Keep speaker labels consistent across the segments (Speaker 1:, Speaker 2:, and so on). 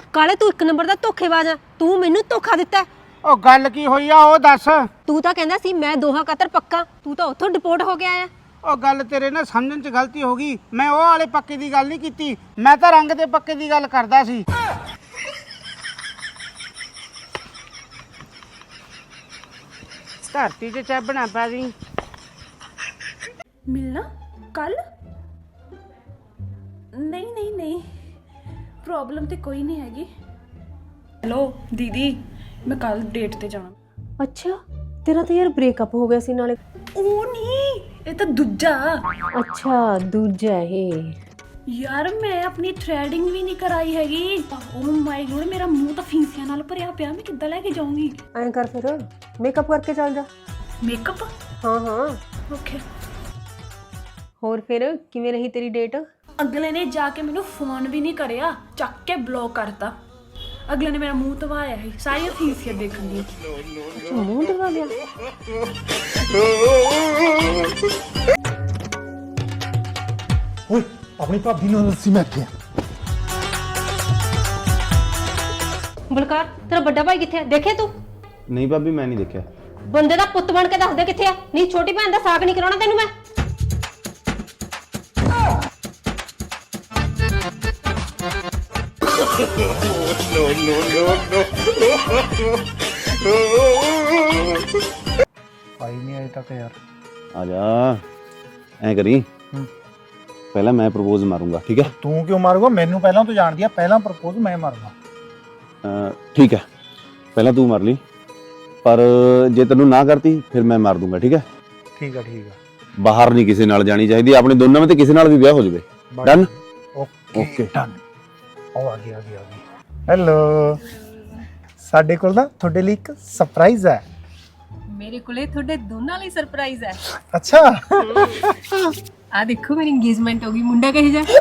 Speaker 1: ਕਾਲੇ ਤੂੰ ਇੱਕ ਨੰਬਰ ਦਾ ਧੋਖੇਬਾਜ਼ ਆ। ਤੂੰ ਮੈਨੂੰ ਧੋਖਾ ਦਿੱਤਾ।
Speaker 2: ਉਹ ਗੱਲ ਕੀ ਹੋਈ ਆ ਉਹ ਦੱਸ।
Speaker 1: ਤੂੰ ਤਾਂ ਕਹਿੰਦਾ ਸੀ ਮੈਂ ਦੋਹਾਂ ਖਾਤਰ ਪੱਕਾ, ਤੂੰ ਤਾਂ ਉੱਥੋਂ ਡਿਪੋਰਟ ਹੋ ਗਿਆ ਆ।
Speaker 2: ਉਹ ਗੱਲ ਤੇਰੇ ਨਾਲ ਸਮਝਣ 'ਚ ਗਲਤੀ ਹੋ ਗਈ। ਮੈਂ ਉਹ ਵਾਲੇ ਪੱਕੇ ਦੀ ਗੱਲ ਨਹੀਂ ਕੀਤੀ, ਮੈਂ ਤਾਂ ਰੰਗ ਦੇ ਪੱਕੇ ਦੀ ਗੱਲ ਕਰਦਾ ਸੀ। ਧਰਤੀ 'ਚ ਚੱਬਣਾ ਪਾ ਦੀ।
Speaker 3: ਮਿਲਣਾ ਕੱਲ? ਨਹੀਂ ਪ੍ਰੋਬਲਮ ਤੇ ਕੋਈ ਨਹੀਂ ਹੈਗੀ। ਹੈਲੋ ਦੀਦੀ, ਮੈਂ ਕੱਲ ਡੇਟ ਤੇ ਜਾਣਾ।
Speaker 1: ਅੱਛਾ, ਤੇਰਾ ਤਾਂ ਯਾਰ ਬ੍ਰੇਕਅਪ ਹੋ ਗਿਆ ਸੀ ਨਾਲੇ।
Speaker 3: ਉਹ ਨਹੀਂ, ਇਹ ਤਾਂ ਦੂਜਾ।
Speaker 1: ਅੱਛਾ ਦੂਜਾ ਇਹ।
Speaker 3: ਯਾਰ ਮੈਂ ਆਪਣੀ ਥ੍ਰੈਡਿੰਗ ਵੀ ਨਹੀਂ ਕਰਾਈ ਹੈਗੀ। ਓ ਮਾਈ ਗੋਡ, ਮੇਰਾ ਮੂੰਹ ਤਾਂ ਫੀਸਿਆਂ ਨਾਲ ਭਰਿਆ ਪਿਆ, ਮੈਂ ਕਿੱਦਾਂ ਲੈ ਕੇ ਜਾਊਂਗੀ?
Speaker 1: ਐਂ ਕਰ ਫਿਰ ਮੇਕਅਪ ਕਰਕੇ ਚੱਲ ਜਾ।
Speaker 3: ਮੇਕਅਪ?
Speaker 1: ਹਾਂ
Speaker 3: ਓਕੇ।
Speaker 1: ਹੋਰ ਫਿਰ ਕਿਵੇਂ ਰਹੀ ਤੇਰੀ ਡੇਟ?
Speaker 3: ਅਗਲੇ ਨੇ ਜਾ ਕੇ ਮੈਨੂੰ ਫੋਨ ਵੀ ਨਹੀਂ ਕਰਿਆ, ਚੱਕ ਕੇ ਬਲੌਕ ਕਰਤਾ। ਅਗਲੇ ਨੇ ਮੇਰਾ ਮੂੰਹ ਧਵਾਇਆ ਸੀ, ਸਾਰੀਆਂ ਫੀਸੀਆਂ ਦੇਖਣ ਦੀ।
Speaker 1: ਅੱਛਾ ਮੂੰਹ ਧਵਾ ਲਿਆ।
Speaker 4: ਓਏ ਆਪਣੀ ਭਾਬੀ ਨੂੰ ਦੱਸੀ ਮੈਂ ਇੱਥੇ ਆ।
Speaker 1: ਬਲਕਾਰ ਤੇਰਾ ਵੱਡਾ ਭਾਈ ਕਿੱਥੇ ਆ? ਦੇਖੇ ਤੂੰ?
Speaker 5: ਨਹੀਂ ਭਾਬੀ, ਮੈਂ ਨਹੀਂ ਦੇਖਿਆ।
Speaker 1: ਬੰਦੇ ਦਾ ਪੁੱਤ ਬਣ ਕੇ ਦੱਸ ਦੇ ਕਿੱਥੇ ਆ। ਨਹੀਂ ਛੋਟੀ ਭੈਣ ਦਾ ਸਾਕ ਨਹੀਂ ਕਰਾਉਣਾ ਤੈਨੂੰ ਮੈਂ।
Speaker 4: ਆਈ ਨਹੀਂ ਅਜੇ ਤੱਕ ਯਾਰ।
Speaker 5: ਆ ਜਾ, ਐ ਕਰੀ, ਪਹਿਲਾਂ ਮੈਂ ਪ੍ਰਪੋਜ਼ ਮਾਰੂੰਗਾ, ਠੀਕ ਹੈ?
Speaker 4: ਤੂੰ ਕਿਉਂ ਮਾਰੂਗਾ? ਮੈਨੂੰ ਪਹਿਲਾਂ ਤੂੰ ਜਾਣਦੀ ਆ, ਪਹਿਲਾਂ ਪ੍ਰਪੋਜ਼ ਮੈਂ ਮਾਰੂੰਗਾ।
Speaker 5: ਠੀਕ ਹੈ, ਪਹਿਲਾਂ ਤੂੰ ਮਾਰ ਲਈ, ਪਰ ਜੇ ਤੈਨੂੰ ਨਾ ਕਰਤੀ ਫਿਰ ਮੈਂ ਮਾਰ ਦੂੰਗਾ, ਠੀਕ ਹੈ?
Speaker 4: ਠੀਕ ਆ
Speaker 5: ਬਾਹਰ ਨਹੀਂ ਕਿਸੇ ਨਾਲ ਜਾਣੀ ਚਾਹੀਦੀ, ਆਪਣੇ ਦੋਨਾਂ ਵਿੱਚ ਕਿਸੇ ਨਾਲ ਵੀ ਵਿਆਹ ਹੋ ਜਾਵੇ। ਡਨ?
Speaker 4: Okay done. ਆ ਗਈ। ਹੈਲੋ, ਸਾਡੇ ਕੋਲ ਨਾ ਤੁਹਾਡੇ ਲਈ ਇੱਕ ਸਰਪ੍ਰਾਈਜ਼ ਹੈ।
Speaker 1: ਮੇਰੇ ਕੋਲੇ ਤੁਹਾਡੇ ਦੋਨਾਂ ਲਈ ਸਰਪ੍ਰਾਈਜ਼ ਹੈ।
Speaker 4: ਅੱਛਾ
Speaker 1: ਆ ਦੇਖੋ ਮੇਰੀ ਇੰਗੇਜਮੈਂਟ ਹੋ ਗਈ। ਮੁੰਡਾ ਕਹੇ ਜਾ।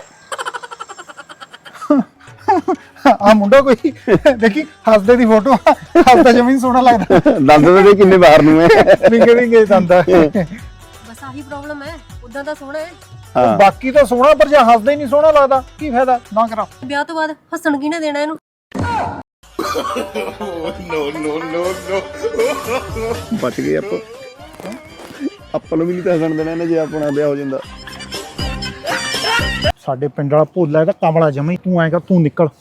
Speaker 4: ਆ ਮੁੰਡਾ ਕੋਈ ਦੇਖੀ ਹੱਸਦੇ ਦੀ ਫੋਟੋ, ਹੱਸਦਾ ਜਮੀਨ ਸੋਹਣਾ ਲੱਗਦਾ।
Speaker 5: ਦੱਸ ਦੇ ਕਿੰਨੇ ਬਾਹਰ ਨੂੰ ਹੈ।
Speaker 4: ਵਿੰਗੇ ਦੰਦਾ।
Speaker 1: ਬਸ ਆਹੀ ਪ੍ਰੋਬਲਮ ਹੈ, ਉਦਾਂ ਤਾਂ ਸੋਹਣਾ ਹੈ।
Speaker 4: ਬਾਕੀ ਤਾਂ ਸੋਹਣਾ, ਪਰ ਜੇ ਹੱਸਦਾ ਹੀ ਨਹੀਂ ਸੋਹਣਾ ਲੱਗਦਾ ਕੀ ਫਾਇਦਾ? ਨਾ ਕਰਾ।
Speaker 1: ਵਿਆਹ ਤੋਂ ਬਾਅਦ ਹੱਸਣ ਕੀ ਨਾ ਦੇਣਾ ਇਹਨੂੰ।
Speaker 5: ਬਚ ਗਏ ਆਪਾਂ ਨੂੰ ਵੀ ਨਹੀਂ ਤਾਂ ਹੱਸਣ ਦੇਣਾ ਇਹਨੇ, ਜੇ ਆਪਣਾ ਵਿਆਹ ਹੋ ਜਾਂਦਾ।
Speaker 4: ਸਾਡੇ ਪਿੰਡ ਵਾਲਾ ਭੋਲਾ ਇਹਦਾ ਕਮਲਾ ਜਮੀ। ਤੂੰ ਐਂ ਕਰ, ਤੂੰ ਨਿਕਲ।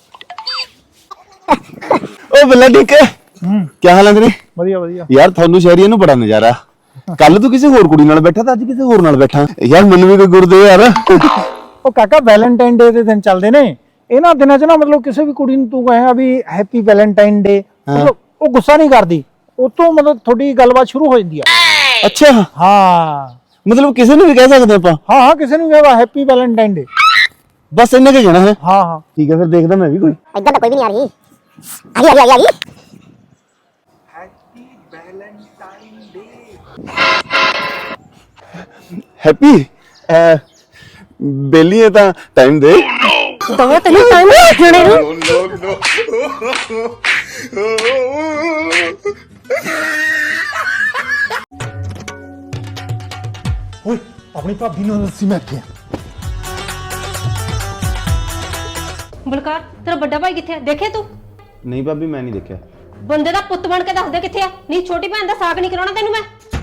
Speaker 5: ਓ ਬੱਲਾ ਠੀਕ ਹੈ? ਕੀ ਹਾਲ ਹੈ ਤੇਰੇ?
Speaker 4: ਵਧੀਆ
Speaker 5: ਯਾਰ ਤੁਹਾਨੂੰ ਸ਼ਹਿਰੀਆਂ ਨੂੰ ਬੜਾ ਨਜ਼ਾਰਾ। ਕੱਲ ਤੂੰ ਕਿਸੇ ਹੋਰ ਕੁੜੀ ਨਾਲ ਬੈਠਾ ਤਾਂ ਅੱਜ ਕਿਸੇ ਹੋਰ ਨਾਲ ਬੈਠਾ। ਯਾਰ ਮੈਨੂੰ ਵੀ ਕੋਈ ਗੁਰ ਦੇ ਯਾਰ।
Speaker 4: ਉਹ ਕਾਕਾ ਵੈਲੈਂਟਾਈਨ ਡੇ ਦੇ ਦਿਨ ਚੱਲਦੇ ਨੇ ਇਹਨਾਂ ਦਿਨਾਂ 'ਚ ਨਾ, ਮਤਲਬ ਕਿਸੇ ਵੀ ਕੁੜੀ ਨੂੰ ਤੂੰ ਕਹੇਗਾ ਵੀ ਹੈਪੀ ਵੈਲੈਂਟਾਈਨ ਡੇ, ਉਹ ਗੁੱਸਾ ਨਹੀਂ ਕਰਦੀ। ਉਤੋਂ ਮਤਲਬ ਤੁਹਾਡੀ ਗੱਲਬਾਤ ਸ਼ੁਰੂ ਹੋ ਜਾਂਦੀ ਆ।
Speaker 5: ਅੱਛਾ
Speaker 4: ਹਾਂ,
Speaker 5: ਮਤਲਬ ਕਿਸੇ ਨੂੰ ਵੀ ਕਹਿ ਸਕਦੇ ਆਪਾਂ?
Speaker 4: ਹਾਂ ਕਿਸੇ ਨੂੰ ਕਹੇਗਾ ਹੈਪੀ ਵੈਲੈਂਟਾਈਨ ਡੇ,
Speaker 5: ਬਸ ਇੰਨੇ ਕੁ ਕਹਿਣਾ ਹੈ।
Speaker 4: ਹਾਂ
Speaker 5: ਠੀਕ ਹੈ, ਫਿਰ ਦੇਖਦਾ ਮੈਂ ਵੀ ਕੋਈ।
Speaker 6: ਇੱਧਰ ਤਾਂ ਕੋਈ ਵੀ ਨਹੀਂ ਆ ਰਹੀ। ਆ ਗਈ
Speaker 4: ਹੈਪੀ ਵੈਲੈਂਟਾਈਨ ਡੇ।
Speaker 5: ਹੈਪੀ ਬੇਲੀ ਹੈ ਤਾਂ ਟਾਈਮ ਦੇ
Speaker 1: ਦਵਾ ਤੈਨੂੰ ਟਾਈਮ ਜਣੇ ਨੂੰ।
Speaker 4: ਓਏ ਆਪਣੀ ਭਾਬੀ ਨੂੰ ਦੱਸੀ ਮੈਂ ਇੱਥੇ ਆ।
Speaker 1: ਬਲਕਾਰ ਤੇਰਾ ਵੱਡਾ ਭਾਈ ਕਿੱਥੇ ਆ? ਦੇਖੇ ਤੂੰ?
Speaker 5: ਨਹੀਂ ਭਾਬੀ, ਮੈਂ ਨਹੀਂ ਦੇਖਿਆ।
Speaker 1: ਬੰਦੇ ਦਾ ਪੁੱਤ ਬਣ ਕੇ ਦੱਸ ਦੇ ਕਿੱਥੇ ਆ। ਨਹੀਂ ਛੋਟੀ ਭੈਣ ਦਾ ਸਾਕ ਨਹੀਂ ਕਰਾਉਣਾ ਤੈਨੂੰ ਮੈਂ।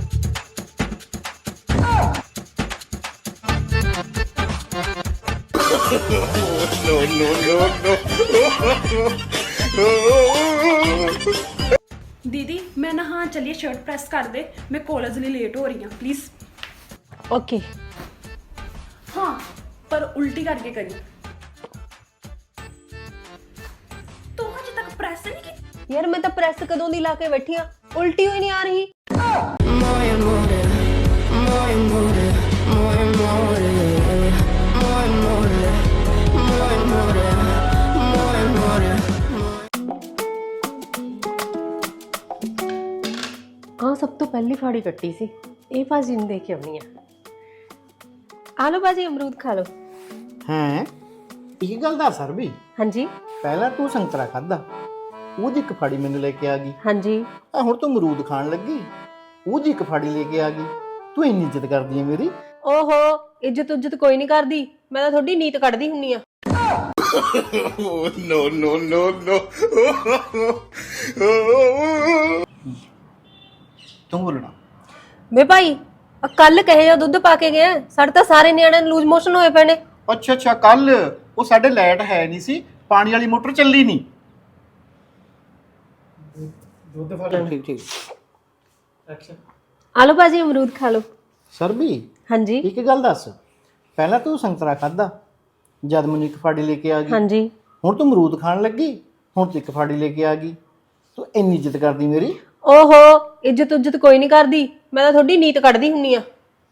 Speaker 3: ਦੀਦੀ ਮੈਂ ਨਹਾ ਚੱਲੀਏ, ਸ਼ਰਟ ਪ੍ਰੈਸ ਕਰ ਦੇ, ਮੈਂ ਕਾਲਜ ਲਈ ਲੇਟ ਹੋ ਰਹੀ ਹਾਂ ਪਲੀਜ਼।
Speaker 1: ਓਕੇ।
Speaker 3: ਹਾਂ ਪਰ ਉਲਟੀ ਕਰਕੇ ਕਰੀ। ਤੂੰ ਹਜੇ ਤੱਕ ਪ੍ਰੈਸ ਨਹੀਂ ਕੀਤੀ?
Speaker 1: ਯਾਰ ਮੈਂ ਤਾਂ ਪ੍ਰੈਸ ਕਦੋਂ ਦੀ ਲਾ ਕੇ ਬੈਠੀ ਆ, ਉਲਟੀ ਹੋਈ ਨਹੀਂ ਆ ਰਹੀ। ਹਾਂ ਸਭ ਤੋਂ ਪਹਿਲੀ ਫਾੜੀ ਕੱਟੀ ਸੀ, ਇਹ ਭਾਜੀ ਨੂੰ ਦੇ ਕੇ ਆਉਣੀ ਆ। ਆ ਲਓ ਭਾਜੀ ਅਮਰੂਦ ਖਾ ਲਓ।
Speaker 2: ਹੈ ਇਹ ਗੱਲ ਦਾ ਸਰ ਵੀ
Speaker 1: ਹਾਂਜੀ
Speaker 2: ਪਹਿਲਾਂ ਤੂੰ ਸੰਤਰਾ ਖਾਦਾ, ਉਹਦੀ ਇੱਕ ਫਾੜੀ ਮੈਨੂੰ ਲੈ ਕੇ ਆ ਗਈ।
Speaker 1: ਹਾਂਜੀ।
Speaker 2: ਆ ਹੁਣ ਤੂੰ ਅਮਰੂਦ ਖਾਣ ਲੱਗੀ, ਉਹਦੀ ਇੱਕ ਫਾੜੀ ਲੈ ਕੇ ਆ ਗਈ। ਤੂੰ ਇੰਨੀ ਇੱਜ਼ਤ ਕਰਦੀ ਹੈ ਮੇਰੀ।
Speaker 1: ਓਹੋ, ਇੱਜ਼ਤ ਉੱਜਤ ਕੋਈ ਨਹੀਂ ਕਰਦੀ, ਮੈਂ ਤਾਂ ਤੁਹਾਡੀ ਨੀਤ ਕੱਢਦੀ ਹੁੰਨੀ ਆ।
Speaker 4: ਤੂੰ ਬੋਲਣਾ।
Speaker 1: ਵੇ ਭਾਈ ਕੱਲ ਕਹੇ ਜੋ ਦੁੱਧ ਪਾ ਕੇ ਗਏ ਸਾਡੇ ਤਾਂ ਸਾਰੇ ਨਿਆਣਿਆਂ ਨੂੰ ਲੂਜ਼ ਮੋਸ਼ਨ ਹੋਏ ਪਏ ਨੇ।
Speaker 4: ਅੱਛਾ ਅੱਛਾ, ਕੱਲ ਉਹ ਸਾਡੇ ਲਾਈਟ ਹੈ ਨਹੀਂ ਸੀ, ਪਾਣੀ ਵਾਲੀ ਮੋਟਰ ਚੱਲੀ ਨਹੀਂ। ਠੀਕ ਠੀਕ।
Speaker 1: ਆ ਲਓ ਭਾਜੀ ਅਮਰੂਦ ਖਾ ਲਓ।
Speaker 4: ਸਰ ਵੀ
Speaker 1: ਹਾਂਜੀ
Speaker 4: ਇੱਕ ਗੱਲ ਦੱਸ, ਪਹਿਲਾਂ ਤੂੰ ਸੰਤਰਾ ਖਾਦਾ, ਜਦ ਮੈਨੂੰ ਇੱਕ ਫਾੜੀ ਲੈ ਕੇ ਆ ਗਈ।
Speaker 1: ਹਾਂਜੀ
Speaker 4: ਹੁਣ ਤੂੰ ਅਮਰੂਦ ਖਾਣ ਲੱਗੀ, ਹੁਣ ਤੂੰ ਇੱਕ ਫਾੜੀ ਲੈ ਕੇ ਆ ਗਈ। ਤੂੰ ਇੰਨੀ ਇੱਜ਼ਤ ਕਰਦੀ ਮੇਰੀ।
Speaker 1: ਓਹੋ ਇੱਜ਼ਤ ਕੋਈ ਨਹੀਂ ਕਰਦੀ, ਮੈਂ ਤਾਂ ਤੁਹਾਡੀ ਨੀਤ ਕੱਢਦੀ ਹੁੰਨੀ ਆ।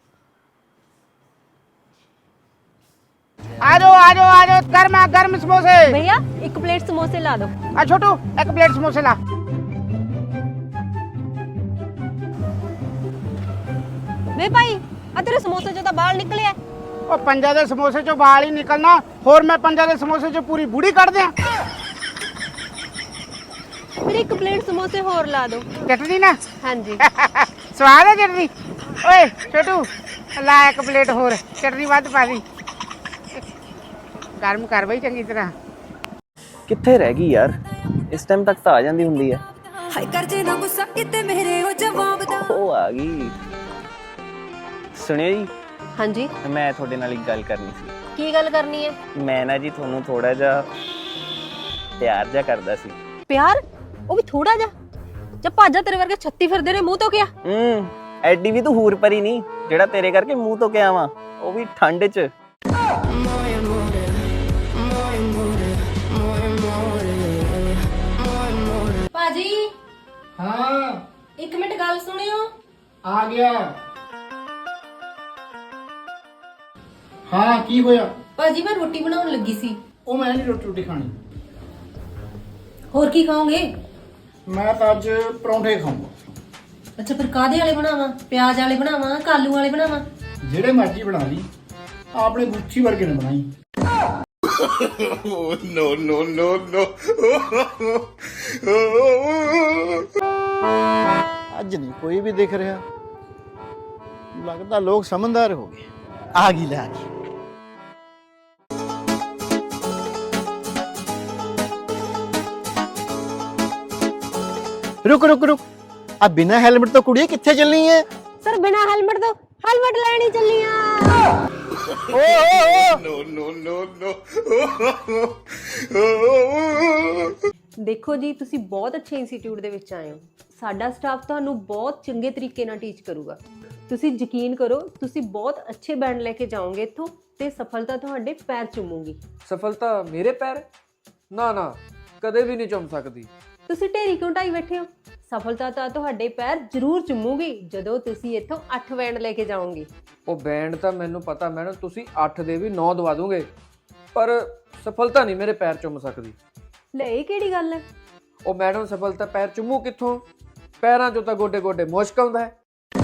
Speaker 2: आ जाओ गर्मा गर्म समोसे।
Speaker 1: भैया एक प्लेट समोसे ला दो।
Speaker 2: आ छोटू एक प्लेट समोसे ला।
Speaker 1: ਵੇ ਭਾਈ ਆ ਤੇਰੇ ਸਮੋਸੇ ਚੋਂ ਤਾਂ ਬਾਲ ਨਿਕਲੇ ਆ।
Speaker 2: ਉਹ ਪੰਜਾ ਦੇ ਸਮੋਸੇ ਚੋਂ ਵਾਲ ਹੀ ਨਿਕਲਣਾ, ਹੋਰ ਮੈਂ ਪੰਜਾ ਦੇ ਸਮੋਸੇ ਚੋਂ ਪੂਰੀ ਬੁੜੀ ਕੱਢ ਦਿਆਂ।
Speaker 1: ਫਿਰ ਇੱਕ ਪਲੇਟ ਸਮੋਸੇ ਹੋਰ ਲਾ ਦੋ।
Speaker 2: ਚਟਨੀ ਨਾ
Speaker 1: ਹਾਂਜੀ
Speaker 2: ਸਵਾਦ ਹੈ ਚਟਨੀ। ਓਏ ਛੋਟੂ ਲਾ ਇੱਕ ਪਲੇਟ ਹੋਰ, ਚਟਨੀ ਵੱਧ ਪਾ ਦੀ। ਗਰਮ ਕਰ ਬਈ ਚੰਗੀ ਤਰ੍ਹਾਂ।
Speaker 7: ਕਿੱਥੇ ਰਹਿ ਗਈ ਯਾਰ, ਇਸ ਟਾਈਮ ਤੱਕ ਤਾਂ ਆ ਜਾਂਦੀ ਹੁੰਦੀ ਹੈ।
Speaker 8: ਹਾਏ ਕਰ ਜੇ ਨਾ ਗੁੱਸਾ ਕਿਤੇ ਮੇਰੇ ਉਹ ਜਵਾਬ ਦਾ।
Speaker 7: ਉਹ ਆ ਗਈ। ਸੁਣਿਓ ਜੀ,
Speaker 1: ਹਾਂਜੀ
Speaker 7: ਮੈਂ ਤੁਹਾਡੇ ਨਾਲ ਇੱਕ ਗੱਲ ਕਰਨੀ ਸੀ।
Speaker 1: ਕੀ ਗੱਲ ਕਰਨੀ ਹੈ?
Speaker 7: ਮੈਂ ਨਾ ਜੀ ਤੁਹਾਨੂੰ ਥੋੜਾ ਜਿਹਾ ਪਿਆਰ ਜਿਹਾ ਕਰਦਾ ਸੀ।
Speaker 1: ਪਿਆਰ? ਉਹ ਵੀ ਥੋੜਾ ਜਿਹਾ? ਜਾਂ ਭਾਜਾ ਤੇਰੇ ਵਰਗੇ 36 ਫਿਰਦੇ ਨੇ ਮੂੰਹ ਤੋਂ ਕਿਆ?
Speaker 7: ਐਡੀ ਵੀ ਤੂੰ ਹੂਰ ਪਰੀ ਨਹੀਂ ਜਿਹੜਾ ਤੇਰੇ ਕਰਕੇ ਮੂੰਹ ਤੋਂ ਕਿਆ ਆਵਾਂ, ਉਹ ਵੀ ਠੰਡ 'ਚ।
Speaker 1: ਭਾਜੀ
Speaker 2: ਹਾਂ
Speaker 1: ਇੱਕ ਮਿੰਟ ਗੱਲ ਸੁਣਿਓ।
Speaker 2: ਆ ਗਿਆ। ਹਾਂ ਕੀ ਹੋਇਆ?
Speaker 1: ਭਾਜੀ ਮੈਂ ਰੋਟੀ ਬਣਾਉਣ ਲੱਗੀ ਸੀ।
Speaker 2: ਉਹ ਮੈਂ ਨਹੀਂ ਰੋਟੀ ਖਾਣੀ।
Speaker 1: ਹੋਰ ਕੀ ਖਾਓਗੇ?
Speaker 2: ਮੈਂ ਤਾਂ ਅੱਜ ਪਰੌਂਠੇ ਖਾਊਂਗਾ।
Speaker 1: ਅੱਛਾ ਫਿਰ ਕਾਦੇ ਵਾਲੇ ਬਣਾਵਾਂ? ਪਿਆਜ਼ ਵਾਲੇ ਬਣਾਵਾਂ, ਕਾਲੂ ਵਾਲੇ ਬਣਾਵਾਂ?
Speaker 2: ਜਿਹੜੇ ਮਰਜ਼ੀ ਬਣਾ ਲਈ, ਆਪਣੇ ਗੁੱਚੀ ਵਰਗੇ ਨੇ ਬਣਾਈ।
Speaker 4: ਅੱਜ ਨਹੀਂ ਕੋਈ ਵੀ ਦਿਖ ਰਿਹਾ, ਲੱਗਦਾ ਲੋਕ ਸਮਝਦਾਰ ਹੋ ਗਏ। ਆ ਗਈ ਲੈ ਆ ਗਈ। रुक रुक रुक, अब बिना हेलमेट तो कुड़िए किथे चलनी है?
Speaker 1: सर बिना हेलमेट तो हेलमेट लेनी चली आ। ਦੇਖੋ ਜੀ ਤੁਸੀਂ ਬਹੁਤ ਅੱਛੇ ਇੰਸਟੀਚਿਊਟ ਦੇ ਵਿੱਚ ਆਏ ਹੋ। ਸਾਡਾ ਸਟਾਫ ਤੁਹਾਨੂੰ ਬਹੁਤ ਚੰਗੇ ਤਰੀਕੇ ਨਾਲ ਟੀਚ ਕਰੂਗਾ। ਤੁਸੀਂ ਯਕੀਨ ਕਰੋ, ਤੁਸੀਂ ਬਹੁਤ ਅੱਛੇ ਬੈਂਡ ਲੈ ਕੇ ਜਾਓਗੇ ਇੱਥੋਂ ਤੇ ਸਫਲਤਾ ਤੁਹਾਡੇ ਪੈਰ ਚੁੰਮੂਗੀ।
Speaker 9: ਸਫਲਤਾ ਮੇਰੇ ਪੈਰ? ਨਾ ਨਾ, ਕਦੇ ਵੀ ਨਹੀਂ ਚੁੰਮ ਸਕਦੀ।
Speaker 1: ਤੁਸੀਂ ਢੇਰੀ ਕਿਉਂ ਢਾਈ ਬੈਠੇ ਹੋ? ਸਫਲਤਾ ਤਾਂ ਤੁਹਾਡੇ ਪੈਰ ਜ਼ਰੂਰ ਚੁੰਮੂਗੀ ਜਦੋਂ ਤੁਸੀਂ ਇੱਥੋਂ 8 ਬੈਂਡ ਲੈ ਕੇ ਜਾਓਗੇ।
Speaker 9: ਉਹ ਬੈਂਡ ਤਾਂ ਮੈਨੂੰ ਪਤਾ ਮੈਡਮ, ਤੁਸੀਂ 8 ਦੇ ਵੀ 9 ਦਵਾ ਦੋਗੇ, ਪਰ ਸਫਲਤਾ ਨਹੀਂ ਮੇਰੇ ਪੈਰ ਚੁੰਮ ਸਕਦੀ।
Speaker 1: ਲੈ ਇਹ ਕਿਹੜੀ ਗੱਲ ਹੈ?
Speaker 9: ਉਹ ਮੈਡਮ ਸਫਲਤਾ ਪੈਰ ਚੁੰਮੂ ਕਿੱਥੋਂ? ਪੈਰਾਂ 'ਚੋਂ ਤਾਂ ਗੋਡੇ ਗੋਡੇ ਮੁਸ਼ਕ ਆਉਂਦਾ ਹੈ।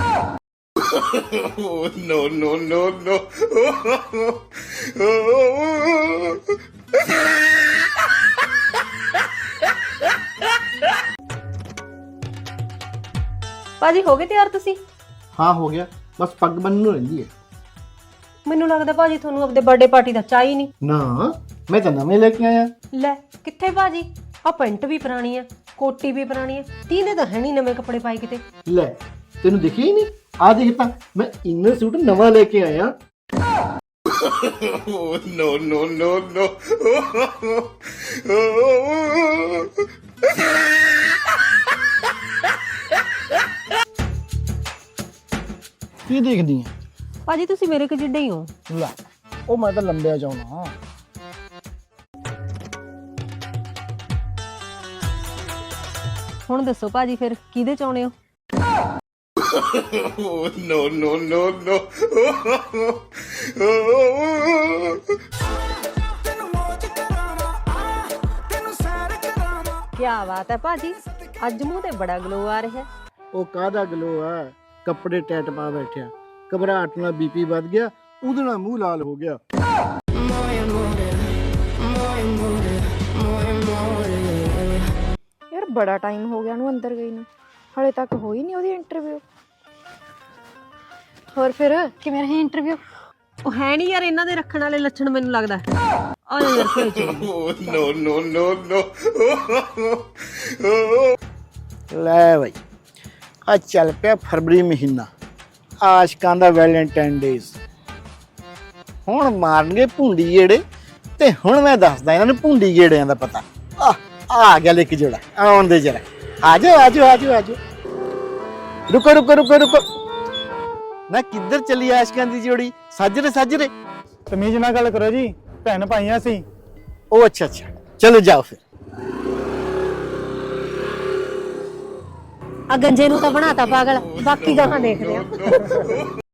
Speaker 1: ਭਾਜੀ ਹੋ ਗਏ ਤਿਆਰ ਤੁਸੀਂ?
Speaker 4: हाँ हो गया, बस पग बनने रही है।
Speaker 1: ਮੈਨੂੰ ਲੱਗਦਾ ਭਾਜੀ ਤੁਹਾਨੂੰ ਆਪਣੇ ਬਰਥਡੇ ਪਾਰਟੀ ਦਾ ਚਾਹ ਹੀ ਨਹੀਂ।
Speaker 4: ना मैं तो नवे लेके आया।
Speaker 1: ਲੈ ਕਿੱਥੇ ਭਾਜੀ? ਆ ਪੈਂਟ ਵੀ ਪੁਰਾਣੀ ਹੈ, ਕੋਟੀ ਵੀ ਪੁਰਾਣੀ ਹੈ, ਤੀਨੇ ਤਾਂ ਹੈ ਨਹੀਂ ਨਵੇਂ ਕੱਪੜੇ ਪਾਏ ਕਿਤੇ।
Speaker 4: ले तेन दिखे ही नहीं? आ देखता, मैं इनर सूट नवा लेके आया। की देखनी है?
Speaker 1: ਭਾਜੀ ਤੁਸੀਂ ਮੇਰੇ ਕਿ ਜਿੱਡੇ ਹੀ ਹੋ।
Speaker 4: ला ओ मैं तो लंबे चाहना।
Speaker 1: ਹੁਣ ਦੱਸੋ ਭਾਜੀ ਫਿਰ ਕਿਹਦੇ ਚਾਹੁੰਦੇ ਹੋ? ਕੀ ਬਾਤ ਹੈ ਭਾਜੀ, ਅੱਜ ਮੂੰਹ ਤੇ ਬੜਾ ਗਲੋ ਆ ਰਿਹਾ ਹੈ।
Speaker 4: ਉਹ ਕਾਹਦਾ ਗਲੋ ਆ, ਕੱਪੜੇ ਟੈਟ ਪਾ ਬੈਠਿਆ, ਘਬਰਾਹਟ ਨਾਲ ਬੀਪੀ ਵੱਧ ਗਿਆ, ਉਹਦੇ ਨਾਲ ਮੂੰਹ ਲਾਲ ਹੋ ਗਿਆ।
Speaker 10: ਯਾਰ ਬੜਾ ਟਾਈਮ ਹੋ ਗਿਆ ਉਹਨੂੰ ਅੰਦਰ ਗਈ ਨੂੰ, ਹਲੇ ਤੱਕ ਹੋਈ ਨਹੀਂ ਉਹਦੀ ਇੰਟਰਵਿਊ। ਹੋਰ ਫਿਰ ਕਿਵੇਂ ਰਹੀ ਇੰਟਰਵਿਊ?
Speaker 1: ਉਹ ਹੈ ਨਹੀਂ ਯਾਰ ਇਹਨਾਂ ਦੇ ਰੱਖਣ ਵਾਲੇ ਲੱਛਣ ਮੈਨੂੰ ਲੱਗਦਾ। ਆ ਜਾ ਯਾਰ ਕੋਈ
Speaker 4: ਲੈ ਬਈ ਆ ਚੱਲ ਪਿਆ ਫਰਵਰੀ ਮਹੀਨਾ, ਆਸ਼ਕਾਂ ਦਾ ਵੈਲੈਂਟਾਈਨ ਡੇਜ਼। ਹੁਣ ਮਾਰਨਗੇ ਭੁੰਡੀ ਗੇੜੇ ਤੇ ਹੁਣ ਮੈਂ ਦੱਸਦਾ ਇਹਨਾਂ ਨੂੰ ਭੁੰਡੀ ਗੇੜਿਆਂ ਦਾ ਪਤਾ। ਆ ਗਿਆ ਲੈ ਕੇ ਜੋੜਾ, ਆਉਣ ਦੇ ਜਰਾ। ਆਜੋ ਆਜੋ ਆਜੋ ਆਜੋ। ਰੁਕੋ ਰੁਕੋ ਰੁਕੋ ਰੁਕੋ ਨਾ, ਕਿੱਧਰ ਚੱਲੀ ਆਸ਼ਕਾਂ ਦੀ ਜੋੜੀ? ਸਾਜਰੇ ਸਾਜਰੇ
Speaker 2: ਤਮੀਜ਼ ਨਾਲ ਗੱਲ ਕਰੋ ਜੀ, ਭੈਣ ਭਾਈਆਂ ਸੀ।
Speaker 4: ਉਹ ਅੱਛਾ ਅੱਛਾ, ਚਲੋ ਜਾਓ ਫਿਰ।
Speaker 6: ਆ ਗੰਜੇ ਨੂੰ ਤਾਂ ਬਣਾਤਾ ਪਾਗਲ, ਬਾਕੀ ਗਾਹਾਂ ਦੇਖਦੇ ਆ।